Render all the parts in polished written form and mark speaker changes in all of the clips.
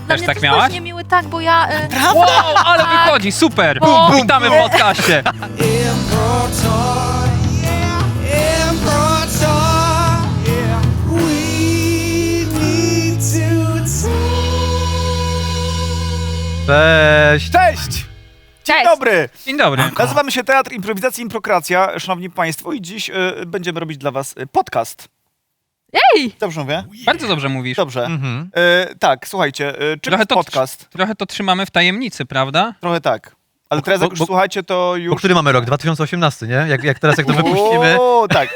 Speaker 1: Dla
Speaker 2: Też
Speaker 1: mnie
Speaker 2: tak
Speaker 1: też
Speaker 2: miałaś?
Speaker 1: był niemiły, tak, bo ja...
Speaker 2: Wow, ale wychodzi, super!
Speaker 1: Bo-
Speaker 2: Witamy w podcaście!
Speaker 3: Imperator, yeah, Imperator, yeah. We need to
Speaker 4: Cześć!
Speaker 5: Cześć! Dzień
Speaker 1: Cześć.
Speaker 5: dobry!
Speaker 2: Dzień dobry.
Speaker 5: Nazywamy się Teatr Improwizacji Improkracja, szanowni państwo, i dziś będziemy robić dla was podcast.
Speaker 1: Ej!
Speaker 5: Dobrze mówię?
Speaker 2: Bardzo dobrze mówisz.
Speaker 5: Dobrze.
Speaker 4: Mhm.
Speaker 5: Tak, słuchajcie, czym
Speaker 2: Trochę
Speaker 5: jest
Speaker 2: to,
Speaker 5: podcast?
Speaker 2: trochę to trzymamy w tajemnicy, prawda?
Speaker 5: Trochę tak. Ale teraz jak już
Speaker 4: bo-
Speaker 5: słuchajcie, to
Speaker 4: Bo
Speaker 5: już...
Speaker 4: który mamy rok? 2018, nie? Jak teraz jak to wypuścimy?
Speaker 5: O, tak.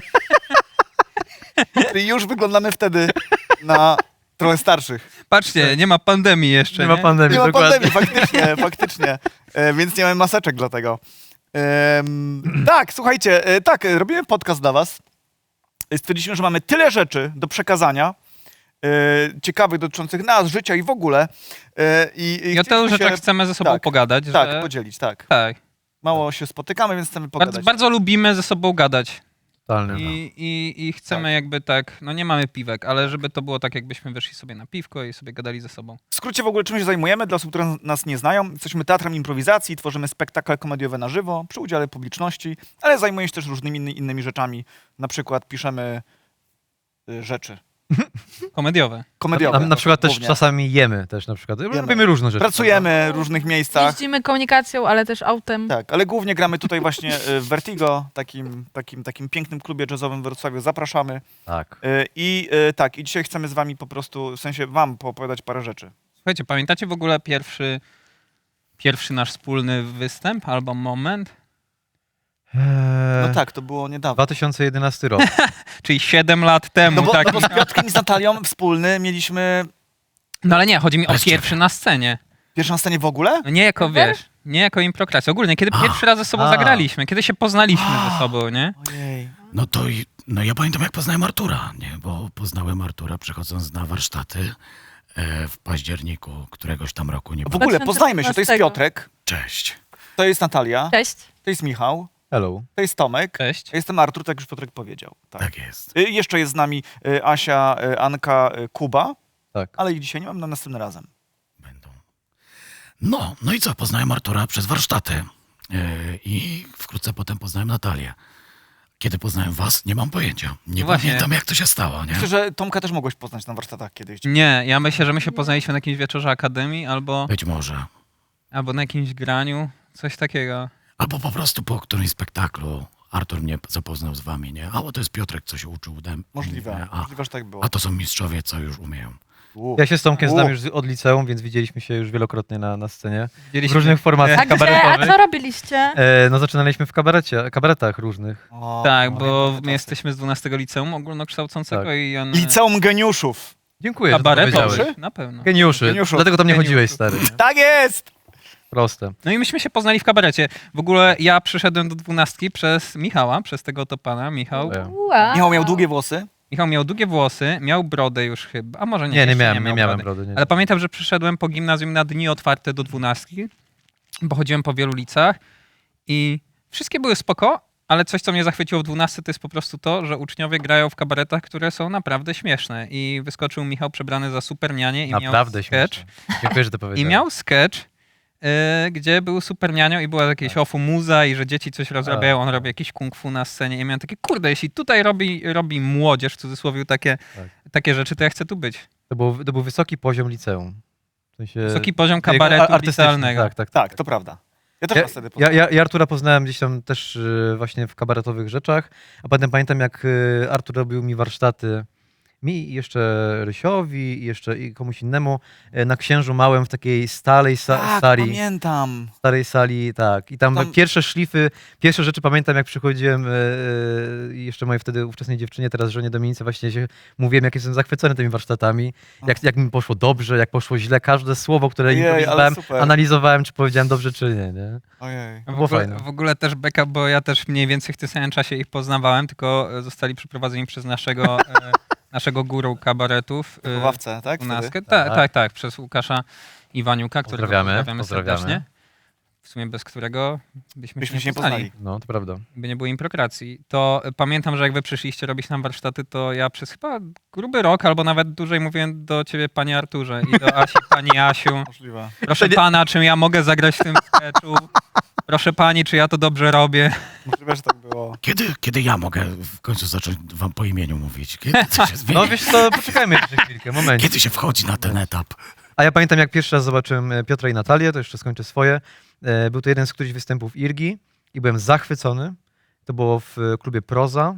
Speaker 5: I już wyglądamy wtedy na trochę starszych.
Speaker 2: Patrzcie, nie ma pandemii jeszcze,
Speaker 4: Nie ma pandemii,
Speaker 5: Nie ma
Speaker 4: dokładnie.
Speaker 5: pandemii, faktycznie. Więc nie mamy maseczek dlatego. Tak, słuchajcie, tak, robimy podcast dla was. Stwierdziliśmy, że mamy tyle rzeczy do przekazania, ciekawych, dotyczących nas, życia i w ogóle.
Speaker 2: I o tylu rzeczach chcemy ze sobą
Speaker 5: tak,
Speaker 2: pogadać.
Speaker 5: Tak,
Speaker 2: że...
Speaker 5: podzielić, tak.
Speaker 2: tak.
Speaker 5: Mało się spotykamy, więc chcemy pogadać.
Speaker 2: Bardzo, bardzo lubimy ze sobą gadać.
Speaker 4: Totalnie, no.
Speaker 2: I chcemy jakby tak, no nie mamy piwek, ale żeby to było tak, jakbyśmy wyszli sobie na piwko i sobie gadali ze sobą.
Speaker 5: W skrócie w ogóle czym się zajmujemy, dla osób, które nas nie znają. Jesteśmy teatrem improwizacji, tworzymy spektakle komediowe na żywo, przy udziale publiczności, ale zajmujemy się też różnymi innymi rzeczami. Na przykład piszemy rzeczy
Speaker 2: Komediowe.
Speaker 5: komediowe.
Speaker 4: Na przykład też
Speaker 5: głównie.
Speaker 4: czasami jemy też na przykład. Robimy różne rzeczy.
Speaker 5: Pracujemy w różnych miejscach.
Speaker 1: Jeździmy komunikacją, ale też autem.
Speaker 5: Tak, ale głównie gramy tutaj właśnie w Vertigo, takim pięknym klubie jazzowym w Wrocławiu. Zapraszamy.
Speaker 4: Tak.
Speaker 5: I tak, i dzisiaj chcemy z wami po prostu, w sensie wam poopowiadać parę rzeczy.
Speaker 2: Słuchajcie, pamiętacie w ogóle pierwszy nasz wspólny występ albo moment?
Speaker 5: No tak, to było niedawno.
Speaker 4: 2011 rok.
Speaker 2: Czyli 7 lat temu.
Speaker 5: No bo,
Speaker 2: tak.
Speaker 5: no bo z Piotrkiem i z Natalią wspólny mieliśmy
Speaker 2: No ale nie, chodzi mi o pierwszy na scenie.
Speaker 5: pierwszą scenę w ogóle?
Speaker 2: No nie jako, wiesz, nie jako improkracja. Ogólnie, kiedy pierwszy raz ze sobą zagraliśmy, kiedy się poznaliśmy ze sobą, nie?
Speaker 5: Ojej.
Speaker 6: No ja pamiętam, jak poznałem Artura, nie? Bo poznałem Artura przechodząc na warsztaty w październiku któregoś tam roku. Nie
Speaker 5: W ogóle poznajmy się, to jest
Speaker 1: 2015.
Speaker 5: Piotrek,
Speaker 6: Cześć.
Speaker 5: to jest Natalia,
Speaker 1: Cześć.
Speaker 5: to jest Michał,
Speaker 4: Hello.
Speaker 5: to jest Tomek,
Speaker 2: Cześć.
Speaker 5: ja jestem Artur, tak już Piotrek powiedział. Tak.
Speaker 6: Tak jest.
Speaker 5: Jeszcze jest z nami Asia, Anka, Kuba,
Speaker 4: Tak.
Speaker 5: ale ich dzisiaj nie mam, na następnym razem.
Speaker 6: Będą. No i co? Poznałem Artura przez warsztaty. I wkrótce potem poznałem Natalię. Kiedy poznałem was, nie mam pojęcia. Nie
Speaker 2: Właśnie.
Speaker 6: pamiętam, jak to się stało, nie?
Speaker 5: Myślę, że Tomka też mogłeś poznać na warsztatach kiedyś.
Speaker 2: Nie, ja myślę, że my się poznaliśmy na jakimś wieczorze akademii albo
Speaker 6: Być może.
Speaker 2: na jakimś graniu, coś takiego.
Speaker 6: Albo po prostu po którymś spektaklu Artur mnie zapoznał z wami, nie? A bo to jest Piotrek, co się uczył ode mnie.
Speaker 5: Możliwe,
Speaker 6: A,
Speaker 5: możliwe, że tak było.
Speaker 6: a to są mistrzowie, co już umieją.
Speaker 4: Ja się z Tomkiem znam już od liceum, więc widzieliśmy się już wielokrotnie na scenie. W
Speaker 2: Widzieliśmy-
Speaker 4: różnych
Speaker 1: A
Speaker 4: formacjach
Speaker 1: gdzie? A
Speaker 4: kabaretowych.
Speaker 1: co robiliście?
Speaker 4: No zaczynaliśmy w kabaretach różnych.
Speaker 5: O,
Speaker 2: Tak,
Speaker 5: no,
Speaker 2: bo
Speaker 5: pamiętam te
Speaker 2: my
Speaker 5: czasy.
Speaker 2: jesteśmy z 12 liceum ogólnokształcącego
Speaker 4: Tak.
Speaker 2: i on...
Speaker 5: Liceum Geniuszów.
Speaker 4: Dziękuję, że to
Speaker 2: Kabaretowy?
Speaker 4: powiedziałeś.
Speaker 2: Na pewno.
Speaker 4: Geniuszy.
Speaker 5: Geniuszów.
Speaker 4: Dlatego tam nie
Speaker 2: Geniuszów.
Speaker 4: chodziłeś, stary. nie?
Speaker 5: Tak jest!
Speaker 4: Proste.
Speaker 2: No i myśmy się poznali w kabarecie. W ogóle ja przyszedłem do 12 przez Michała, przez tego to pana. Michał
Speaker 1: Wow.
Speaker 5: Michał miał długie włosy.
Speaker 2: miał długie włosy, miał brodę już chyba, a może nie,
Speaker 4: Nie
Speaker 2: jeszcze
Speaker 4: miałem,
Speaker 2: miał
Speaker 4: nie miałem
Speaker 2: brody.
Speaker 4: brody. Nie.
Speaker 2: Ale pamiętam, że przyszedłem po gimnazjum na dni otwarte do 12, bo chodziłem po wielu ulicach i wszystkie były spoko, ale coś, co mnie zachwyciło w 12, to jest po prostu to, że uczniowie grają w kabaretach, które są naprawdę śmieszne. I wyskoczył Michał przebrany za supernianie i
Speaker 4: Naprawdę
Speaker 2: miał sketch.
Speaker 4: śmieszne. Dziękuję, że to
Speaker 2: I
Speaker 4: powiedziałeś.
Speaker 2: miał sketch, gdzie był supernianią i była jakieś ofu muza i że dzieci coś rozrabiają, on robi jakieś kung fu na scenie i miałem takie, kurde, jeśli tutaj robi młodzież, w cudzysłowie, takie rzeczy, to ja chcę tu być.
Speaker 4: To był wysoki poziom liceum. W sensie
Speaker 2: Wysoki poziom
Speaker 4: takiego
Speaker 2: kabaretu
Speaker 4: artystyczny,
Speaker 2: licealnego.
Speaker 4: Tak, tak.
Speaker 5: Tak, to prawda. Ja też was wtedy poznałem.
Speaker 4: Ja Artura poznałem gdzieś tam też właśnie w kabaretowych rzeczach, a potem pamiętam, jak Artur robił mi warsztaty, mi i jeszcze Rysiowi i jeszcze i komuś innemu na Księżu Małym w takiej
Speaker 5: Tak,
Speaker 4: sali.
Speaker 5: pamiętam.
Speaker 4: Starej sali, tak. I tam,
Speaker 5: Tam-
Speaker 4: pierwsze szlify, pierwsze rzeczy pamiętam, jak przychodziłem i jeszcze mojej wtedy ówczesnej dziewczynie, teraz żonie Dominice, właśnie się mówiłem, jak jestem zachwycony tymi warsztatami, jak mi poszło dobrze, jak poszło źle, każde słowo, które
Speaker 5: Ojej, ale
Speaker 4: improwizowałem,
Speaker 5: super.
Speaker 4: analizowałem, czy powiedziałem dobrze, czy nie, nie?
Speaker 5: Ojej.
Speaker 4: było fajne.
Speaker 2: W ogóle też backup, bo ja też mniej więcej w tym samym czasie ich poznawałem, tylko zostali przeprowadzeni przez naszego guru kabaretów.
Speaker 5: Wychowawcę, tak?
Speaker 2: 12.
Speaker 5: wtedy?
Speaker 2: Tak, przez Łukasza Iwaniuka, którego
Speaker 4: Pozdrawiamy.
Speaker 2: serdecznie. w sumie bez którego byśmy
Speaker 5: Byśmy się nie
Speaker 2: poznali.
Speaker 5: poznali.
Speaker 4: No, to prawda.
Speaker 2: By nie było improkracji. To pamiętam, że jak wy przyszliście robić nam warsztaty, to ja przez chyba gruby rok albo nawet dłużej mówiłem do ciebie panie Arturze i do Asi pani Asiu.
Speaker 5: Możliwe.
Speaker 2: Proszę pana, czy ja mogę zagrać w tym sketchu? Proszę pani, czy ja to dobrze robię?
Speaker 5: Możliwe, że tak było.
Speaker 6: Kiedy ja mogę w końcu zacząć wam po imieniu mówić? Kiedy to się zmieni?
Speaker 4: No wiesz co, poczekajmy jeszcze chwilkę, moment.
Speaker 6: Kiedy się wchodzi na ten etap?
Speaker 4: A ja pamiętam, jak pierwszy raz zobaczyłem Piotra i Natalię, to jeszcze skończę swoje. Był to jeden z którychś występów Irgi i byłem zachwycony. To było w klubie Proza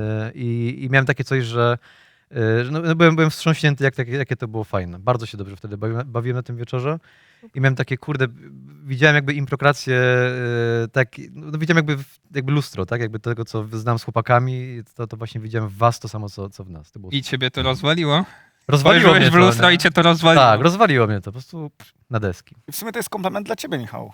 Speaker 4: i miałem takie coś, że no, byłem wstrząśnięty, jakie to było fajne. Bardzo się dobrze wtedy bawiłem na tym wieczorze i miałem takie, kurde, widziałem jakby improkrację, tak, no, widziałem jakby lustro, tak, jakby tego, co znam z chłopakami, to właśnie widziałem w was to samo, co w nas. To było
Speaker 2: I ciebie to rozwaliło?
Speaker 4: rozwaliło mnie
Speaker 2: Spojrzałeś w
Speaker 4: to,
Speaker 2: lustro
Speaker 4: nie?
Speaker 2: i cię to rozwaliło.
Speaker 4: Tak, rozwaliło mnie to, po prostu na deski.
Speaker 5: I w sumie to jest komplement dla ciebie, Michał.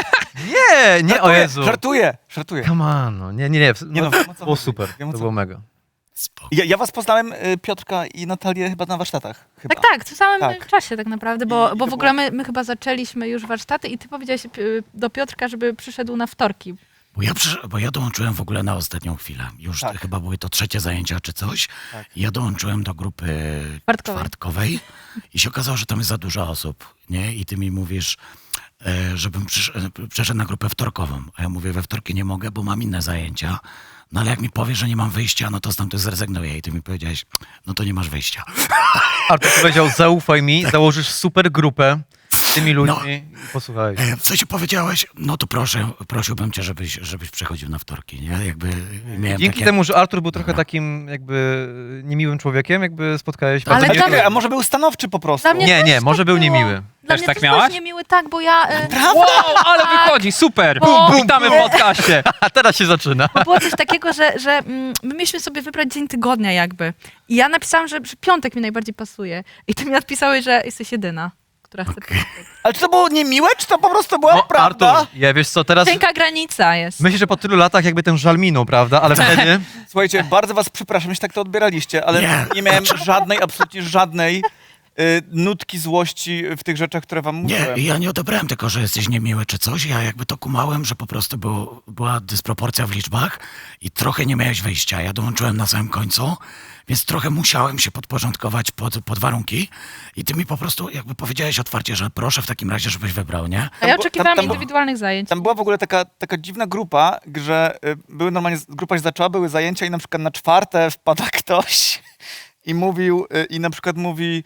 Speaker 4: Nie, o Jezu.
Speaker 5: Żartuję.
Speaker 4: Come on, no. Nie,
Speaker 5: Nie
Speaker 4: no,
Speaker 5: no, wiem, o co
Speaker 4: to było
Speaker 5: chodzi.
Speaker 4: super,
Speaker 5: Wiem, o
Speaker 4: to
Speaker 5: co
Speaker 4: było
Speaker 5: chodzi.
Speaker 4: mega.
Speaker 6: Spoko.
Speaker 5: Ja was poznałem, Piotrka i Natalię, chyba na warsztatach. Chyba.
Speaker 1: Tak, w tym samym
Speaker 5: Tak.
Speaker 1: czasie tak naprawdę,
Speaker 5: I
Speaker 1: bo
Speaker 5: to
Speaker 1: w
Speaker 5: było-
Speaker 1: ogóle my chyba zaczęliśmy już warsztaty i ty powiedziałeś do Piotrka, żeby przyszedł na wtorki.
Speaker 6: Bo ja dołączyłem w ogóle na ostatnią chwilę. Już
Speaker 5: Tak.
Speaker 6: chyba były to trzecie zajęcia czy coś.
Speaker 5: Tak.
Speaker 6: Ja dołączyłem do grupy
Speaker 1: Czwartkowej.
Speaker 6: czwartkowej i się okazało, że tam jest za dużo osób, nie? I ty mi mówisz, żebym przeszedł na grupę wtorkową. A ja mówię, we wtorki nie mogę, bo mam inne zajęcia. No ale jak mi powiesz, że nie mam wyjścia, no to stamtąd zrezygnuję. I ty mi powiedziałeś, no to nie masz wyjścia.
Speaker 4: Artur powiedział, zaufaj mi, założysz super grupę z tymi ludźmi i posłuchaj.
Speaker 6: W sensie powiedziałeś, no to prosiłbym cię, żebyś przechodził na wtorki, nie? Jakby miałem
Speaker 4: Dzięki
Speaker 6: takie...
Speaker 4: temu, że Artur był trochę takim jakby niemiłym człowiekiem, jakby spotkałeś...
Speaker 1: Ale
Speaker 4: bardzo
Speaker 1: dla
Speaker 4: ciekawe-
Speaker 5: A może był stanowczy po prostu?
Speaker 1: Dla mnie
Speaker 4: Nie,
Speaker 1: też
Speaker 4: może
Speaker 1: tak
Speaker 4: był
Speaker 1: było.
Speaker 4: niemiły.
Speaker 1: Dla
Speaker 2: Też
Speaker 1: mnie
Speaker 2: tak
Speaker 1: też
Speaker 2: miałaś?
Speaker 1: był niemiły, tak, bo ja...
Speaker 2: Wow, ale wychodzi, super! Witamy w podcaście!
Speaker 4: A teraz się zaczyna.
Speaker 1: Bo było coś takiego, że my mieliśmy sobie wybrać dzień tygodnia jakby. I ja napisałam, że piątek mi najbardziej pasuje. I ty mi odpisałeś, że jesteś jedyna, która chce piątek.
Speaker 5: Ale czy to było niemiłe, czy to po prostu była prawda?
Speaker 4: Artur, ja wiesz co, teraz
Speaker 1: Cienka granica jest.
Speaker 4: myślę, że po tylu latach jakby ten żal minął, prawda? Ale wtedy...
Speaker 5: Słuchajcie, bardzo was przepraszam, jeśli tak to odbieraliście, ale nie miałem żadnej, absolutnie żadnej nutki złości w tych rzeczach, które wam
Speaker 6: Nie,
Speaker 5: mówiłem.
Speaker 6: ja nie odebrałem tylko, że jesteś niemiły czy coś. Ja jakby to kumałem, że po prostu była dysproporcja w liczbach i trochę nie miałeś wyjścia. Ja dołączyłem na samym końcu, więc trochę musiałem się podporządkować pod warunki i ty mi po prostu jakby powiedziałeś otwarcie, że proszę w takim razie, żebyś wybrał, nie?
Speaker 1: A ja
Speaker 5: Tam
Speaker 1: oczekiwałam
Speaker 5: było-
Speaker 1: indywidualnych zajęć.
Speaker 5: Tam była w ogóle taka dziwna grupa, że były normalnie, grupa się zaczęła, były zajęcia i na przykład na czwarte wpada ktoś i mówił, i na przykład mówi,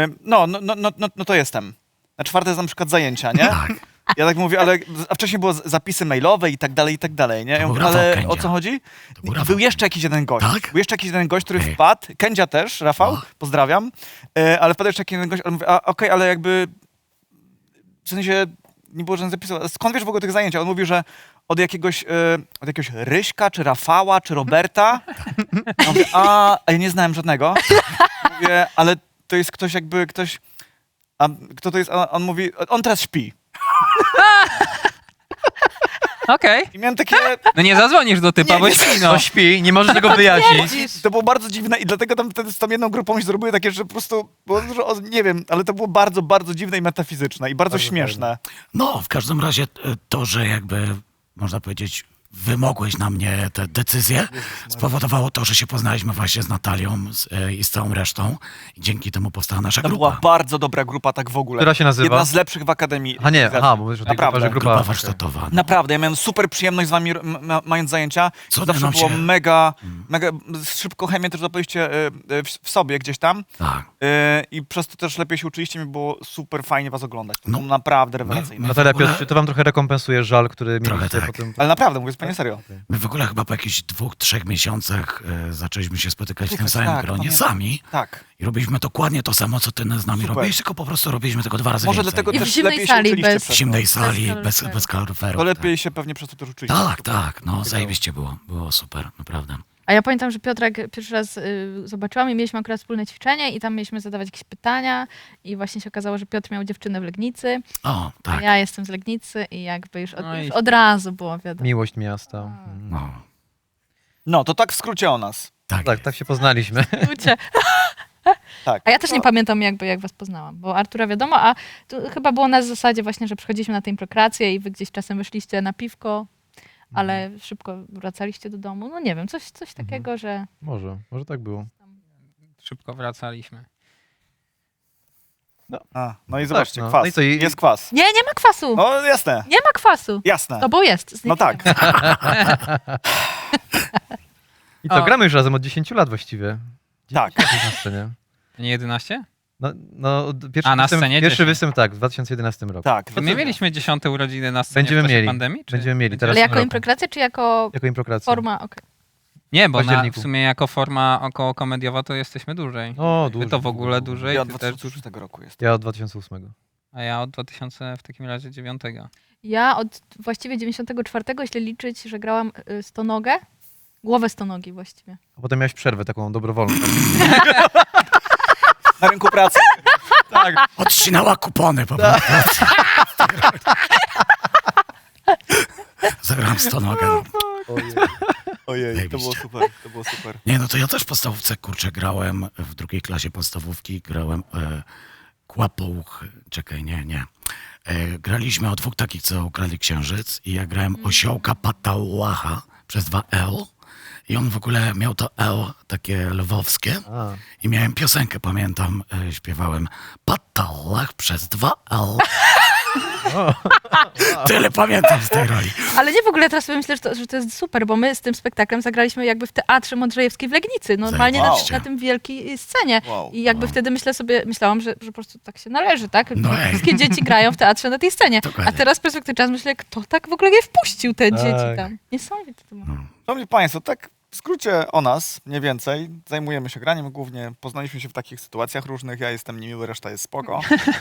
Speaker 5: no to jestem. Na czwarte jest na przykład zajęcia, nie?
Speaker 6: Tak.
Speaker 5: Ja tak mówię, ale a wcześniej było zapisy mailowe i tak dalej, nie? Ja
Speaker 6: był
Speaker 5: mówię,
Speaker 6: Rafał
Speaker 5: ale
Speaker 6: Kędzia.
Speaker 5: o co chodzi?
Speaker 6: To był
Speaker 5: I
Speaker 6: Rafał
Speaker 5: był jeszcze jakiś jeden gość.
Speaker 6: Tak?
Speaker 5: Był jeszcze jakiś jeden gość, który
Speaker 6: Ej.
Speaker 5: wpadł. Kędzia też, Rafał,
Speaker 6: O.
Speaker 5: pozdrawiam. Ale wpadł jeszcze jakiś jeden gość, ale mówię, okej, ale jakby w sensie nie było żadnych zapisów. Skąd wiesz w ogóle tych zajęć? A on mówił, że od jakiegoś Ryśka, czy Rafała, czy Roberta. Ja mówię, a ja nie znałem żadnego. Mówię, ale to jest ktoś jakby, ktoś... A kto to jest? A on mówi, on teraz śpi.
Speaker 2: Okej.
Speaker 5: I miałem takie...
Speaker 2: No nie zadzwonisz do typa,
Speaker 5: Nie,
Speaker 2: bo
Speaker 5: nie,
Speaker 2: śpi,
Speaker 4: No
Speaker 2: no.
Speaker 4: śpi, nie możesz tego wyjaśnić.
Speaker 5: To było bardzo dziwne i dlatego tam wtedy z tą jedną grupą się zrobiły takie, że po prostu było dużo, nie wiem, ale to było bardzo, bardzo dziwne i metafizyczne i bardzo śmieszne.
Speaker 6: No, w każdym razie to, że jakby, można powiedzieć, wymogłeś na mnie te decyzje, spowodowało to, że się poznaliśmy właśnie z Natalią i z całą resztą i dzięki temu powstała nasza
Speaker 5: To
Speaker 6: grupa.
Speaker 5: była bardzo dobra grupa tak w ogóle.
Speaker 4: Która się nazywa?
Speaker 5: Jedna z lepszych w Akademii.
Speaker 4: A nie,
Speaker 5: Organizacji.
Speaker 4: bo mówisz o tej
Speaker 5: Naprawdę.
Speaker 4: grupie, że
Speaker 6: Grupa
Speaker 4: grupa...
Speaker 6: warsztatowa.
Speaker 5: Naprawdę, ja miałem super przyjemność z wami mając zajęcia.
Speaker 6: Co
Speaker 5: Zawsze
Speaker 6: nam
Speaker 5: było
Speaker 6: się-
Speaker 5: mega szybko chemię też zapaliście w sobie gdzieś tam.
Speaker 6: Tak.
Speaker 5: I przez to też lepiej się uczyliście, mi było super fajnie was oglądać. To było naprawdę rewelacyjne.
Speaker 4: Natalia,
Speaker 6: w ogóle-
Speaker 4: Piotr, czy to wam trochę rekompensuje żal, który
Speaker 6: Trochę
Speaker 4: mieliście
Speaker 6: tak.
Speaker 4: potem?
Speaker 5: Ale naprawdę, mówię zupełnie serio.
Speaker 6: My w ogóle chyba po jakichś 2-3 miesiącach zaczęliśmy się spotykać w tym samym
Speaker 5: Tak,
Speaker 6: gronie
Speaker 5: pamiętam.
Speaker 6: sami
Speaker 5: Tak.
Speaker 6: i robiliśmy dokładnie to samo, co ty z nami
Speaker 5: Super.
Speaker 6: robiłeś, tylko po prostu robiliśmy tego 2 razy
Speaker 5: Może
Speaker 6: więcej.
Speaker 5: dlatego
Speaker 1: I w
Speaker 5: też
Speaker 1: zimnej
Speaker 5: lepiej się
Speaker 1: sali
Speaker 5: uczyliście
Speaker 1: bez-
Speaker 5: przez
Speaker 6: W zimnej
Speaker 5: to.
Speaker 6: sali,
Speaker 1: Bez
Speaker 6: bez kaloryferów.
Speaker 5: To lepiej się pewnie przez to też uczyliście.
Speaker 6: Tak, tak, no zajebiście było super, naprawdę.
Speaker 1: A ja pamiętam, że Piotrek pierwszy raz zobaczyłam i mieliśmy akurat wspólne ćwiczenie i tam mieliśmy zadawać jakieś pytania i właśnie się okazało, że Piotr miał dziewczynę w Legnicy,
Speaker 6: O,
Speaker 1: a
Speaker 6: tak,
Speaker 1: ja jestem z Legnicy i jakby już
Speaker 2: No i-
Speaker 1: już od razu było wiadomo.
Speaker 4: Miłość miasta.
Speaker 6: no,
Speaker 5: No, to tak w skrócie o nas.
Speaker 6: tak.
Speaker 4: Tak, tak się poznaliśmy.
Speaker 1: Ucie.
Speaker 5: Tak.
Speaker 1: A ja też nie
Speaker 5: No,
Speaker 1: pamiętam jak was poznałam, bo Artura wiadomo, a tu chyba było na zasadzie właśnie, że przychodziliśmy na tę improkrację i wy gdzieś czasem wyszliście na piwko, ale szybko wracaliście do domu. No nie wiem, coś takiego, że...
Speaker 4: Może tak było.
Speaker 2: Szybko wracaliśmy.
Speaker 5: no i zobaczcie,
Speaker 4: no.
Speaker 5: kwas.
Speaker 4: No i co,
Speaker 5: Jest kwas.
Speaker 1: Nie ma kwasu!
Speaker 5: No jasne,
Speaker 1: Nie ma kwasu!
Speaker 5: jasne.
Speaker 1: To bo jest.
Speaker 5: No tak.
Speaker 4: I to
Speaker 2: O.
Speaker 4: gramy już razem od 10 lat właściwie.
Speaker 5: Tak.
Speaker 4: 10 na scenie.
Speaker 2: Nie 11?
Speaker 4: No,
Speaker 2: A, na scenie
Speaker 4: pierwszy
Speaker 2: 10.
Speaker 4: występ tak, w 2011 roku.
Speaker 5: Tak.
Speaker 2: To my mieliśmy 10 urodziny na scenie
Speaker 4: Będziemy
Speaker 2: w czasie
Speaker 4: mieli.
Speaker 2: pandemii? Czy?
Speaker 4: Będziemy mieli teraz
Speaker 1: Ale
Speaker 4: w tym
Speaker 1: jako
Speaker 4: roku.
Speaker 1: improkracja, czy jako
Speaker 4: Jako improkracja.
Speaker 1: forma? Okej.
Speaker 2: Nie, bo w
Speaker 4: październiku.
Speaker 2: sumie jako forma około komediowa to jesteśmy dłużej.
Speaker 4: O,
Speaker 2: Wy
Speaker 4: dłużej.
Speaker 2: to w ogóle dłużej,
Speaker 5: Ja od
Speaker 2: ty też
Speaker 5: 2006 roku jest.
Speaker 4: Ja od 2008.
Speaker 2: a ja od 2000 w takim razie 9.
Speaker 1: Ja od właściwie 94, jeśli liczyć, że grałam stonogę, głowę stonogi właściwie.
Speaker 4: A potem miałeś przerwę taką dobrowolną.
Speaker 5: Na rynku pracy.
Speaker 4: Tak.
Speaker 6: Odcinała kupony po prostu. Zagrałem stonogę.
Speaker 5: Ojej, to
Speaker 6: Zajebiście.
Speaker 5: było super, to było super.
Speaker 6: Nie, no to ja też w podstawówce, kurczę, grałem w drugiej klasie podstawówki, grałem kłapouch, czekaj, nie. Graliśmy o dwóch takich, co ukradli księżyc i ja grałem osiołka Patałacha przez 2 L i on w ogóle miał to L takie lwowskie
Speaker 4: A.
Speaker 6: i miałem piosenkę, pamiętam, śpiewałem Patałach przez 2 L. Tyle pamiętam z tej roli.
Speaker 1: Ale nie w ogóle teraz sobie myślę, że to jest super, bo my z tym spektaklem zagraliśmy jakby w Teatrze Modrzejewskiej w Legnicy, normalnie na,
Speaker 6: Zajebiście.
Speaker 1: na tym wielkiej scenie.
Speaker 5: Wow.
Speaker 1: I jakby wtedy myślałam, że po prostu tak się należy, tak?
Speaker 6: No ej.
Speaker 1: Wszystkie dzieci grają w teatrze na tej scenie.
Speaker 6: Dokładnie.
Speaker 1: A teraz z perspektywy czasu myślę, kto tak w ogóle je wpuścił te
Speaker 4: Tak.
Speaker 1: dzieci tam. Niesamowite to było.
Speaker 5: Szanowni Państwo, tak w skrócie o nas, mniej więcej. Zajmujemy się graniem głównie. Poznaliśmy się w takich sytuacjach różnych. Ja jestem niemiły, reszta jest spoko.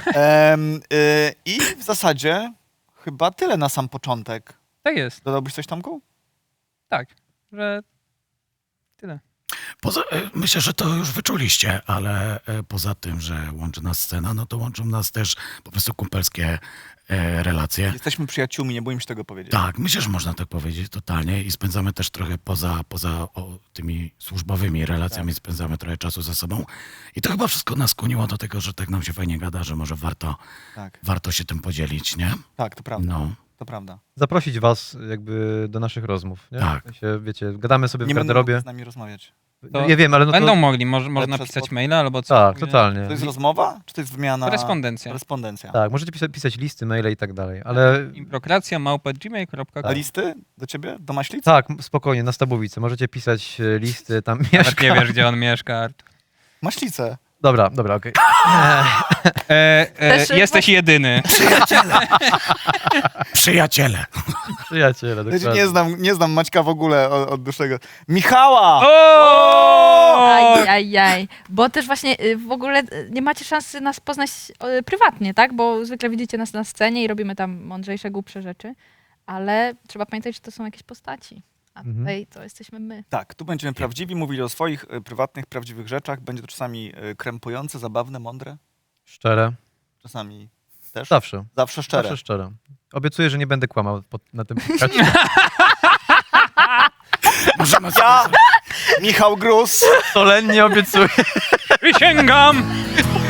Speaker 5: I w zasadzie chyba tyle na sam początek.
Speaker 2: Tak jest,
Speaker 5: Dodałbyś coś, Tomku?
Speaker 2: tak, że tyle.
Speaker 6: Myślę, że to już wyczuliście, ale poza tym, że łączy nas scena, no to łączą nas też po prostu kumpelskie relacje.
Speaker 5: Jesteśmy przyjaciółmi, nie boimy się tego powiedzieć.
Speaker 6: Tak, myślę, że można tak powiedzieć totalnie i spędzamy też trochę poza tymi służbowymi relacjami, spędzamy trochę czasu ze sobą i to chyba wszystko nas skłoniło do tego, że tak nam się fajnie gada, że może warto się tym podzielić, nie?
Speaker 5: Tak, to prawda.
Speaker 6: No.
Speaker 5: To prawda.
Speaker 4: Zaprosić was jakby do naszych rozmów, nie?
Speaker 6: Tak.
Speaker 4: W sensie, wiecie, gadamy sobie
Speaker 5: Nie
Speaker 4: w
Speaker 5: będą
Speaker 4: garderobie.
Speaker 5: z nami rozmawiać.
Speaker 2: To
Speaker 4: Ja wiem, ale no
Speaker 2: Będą
Speaker 4: to...
Speaker 2: mogli, można
Speaker 5: Ale przez
Speaker 2: pisać
Speaker 5: pod-
Speaker 2: maila albo co.
Speaker 4: Tak,
Speaker 2: Nie?
Speaker 4: totalnie.
Speaker 5: To jest rozmowa, czy to jest wymiana?
Speaker 2: Korespondencja.
Speaker 5: Korespondencja.
Speaker 4: Tak, możecie pisać listy, maile i tak dalej, ale...
Speaker 2: Improkracja@gmail.com.
Speaker 5: A listy do ciebie? Do Maślic?
Speaker 4: Tak, spokojnie, na Stabowicy. Możecie pisać listy, tam
Speaker 2: Nawet
Speaker 4: mieszka.
Speaker 2: nie wiesz, gdzie on mieszka, Artur.
Speaker 5: Maślice.
Speaker 4: Dobra, okej.
Speaker 1: Też,
Speaker 2: Jesteś jedyny.
Speaker 6: Przyjaciele.
Speaker 4: Przyjaciele,
Speaker 5: Ja
Speaker 4: dokładnie.
Speaker 5: nie znam Maćka w ogóle od dłuższego. Michała!
Speaker 1: Ajajaj. Bo też właśnie w ogóle nie macie szansy nas poznać prywatnie, tak? Bo zwykle widzicie nas na scenie i robimy tam mądrzejsze, głupsze rzeczy, ale trzeba pamiętać, że to są jakieś postaci. A tutaj to jesteśmy my.
Speaker 5: Tak, tu będziemy prawdziwi, mówili o swoich prywatnych, prawdziwych rzeczach. Będzie to czasami krępujące, zabawne, mądre.
Speaker 4: Szczere.
Speaker 5: Czasami też.
Speaker 4: Zawsze.
Speaker 5: Zawsze szczere.
Speaker 4: Zawsze szczere. Obiecuję, że nie będę kłamał na tym podcaście.
Speaker 6: Możemy
Speaker 5: Ja, Michał Gruz,
Speaker 4: Solennie obiecuję.
Speaker 2: Przysięgam!